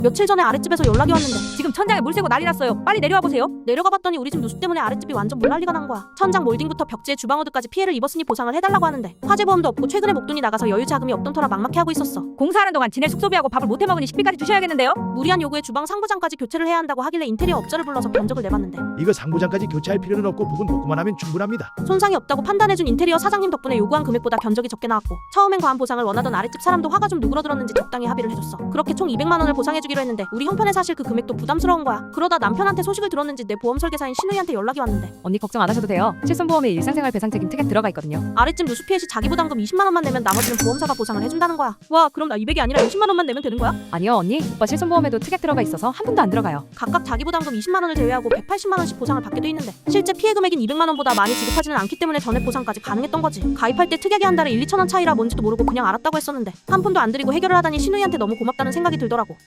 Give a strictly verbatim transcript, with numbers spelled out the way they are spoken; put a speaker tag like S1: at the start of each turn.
S1: 며칠 전에 아랫집에서 연락이 왔는데
S2: 지금 천장에 물 새고 난리 났어요. 빨리 내려와 보세요.
S1: 내려가 봤더니 우리 집 누수 때문에 아랫집이 완전 물난리가 난 거야. 천장 몰딩부터 벽지에 주방우드까지 피해를 입었으니 보상을 해달라고 하는데 화재보험도 없고 최근에 목돈이 나가서 여유 자금이 없던 터라 막막해 하고 있었어.
S2: 공사하는 동안 지낼 숙소비하고 밥을 못 해먹으니 식비까지 주셔야겠는데요?
S1: 무리한 요구에 주방 상부장까지 교체를 해야 한다고 하길래 인테리어 업자를 불러서 견적을 내봤는데
S3: 이거 상부장까지 교체할 필요는 없고 부분 복구만 하면 충분합니다.
S1: 손상이 없다고 판단해준 인테리어 사장님 덕분에 요구한 금액보다 견적이 적게 나왔고 처음엔 과한 보상을 원하던 아랫집 사람도 화가 좀 누그러들었는지 적당히 합의를 해줬어. 그렇게 총 이백만 원을 보상해주기로 했는데 우리 형편에 사실 그 금액도 부담스러운 거야. 그러다 남편한테 소식을 들었는지 내 보험 설계사인 신우이한테 연락이 왔는데
S2: 언니 걱정 안 하셔도 돼요. 실손보험에 일상생활 배상 책임 특약 들어가 있거든요.
S1: 아랫집 누수 피해 시 자기 부담금 이십만 원만 내면 나머지는 보험사가 보상을 해준다는 거야. 와, 그럼 나 이백이 아니라 이십만 원만 내면 되는 거야?
S2: 아니요 언니, 오빠 실손보험에도 특약 들어가 있어서 한 푼도 안 들어가요.
S1: 각각 자기 부담금 이십만 원을 제외하고 백팔십만 원씩 보상을 받게 돼 있는데 실제 피해 금액인 이백만 원보다 많이 지급하지는 않기 때문에 전액 보상까지 가능했던 거지. 가입할 때 특약이 한 달에 일, 이천 원 차이라 뭔지도 모르고 그냥 알았다고 했었는데 한 푼도 안 들이고 해결을 하다니 신우이한테 너무 고맙다는 생각이 들더라고.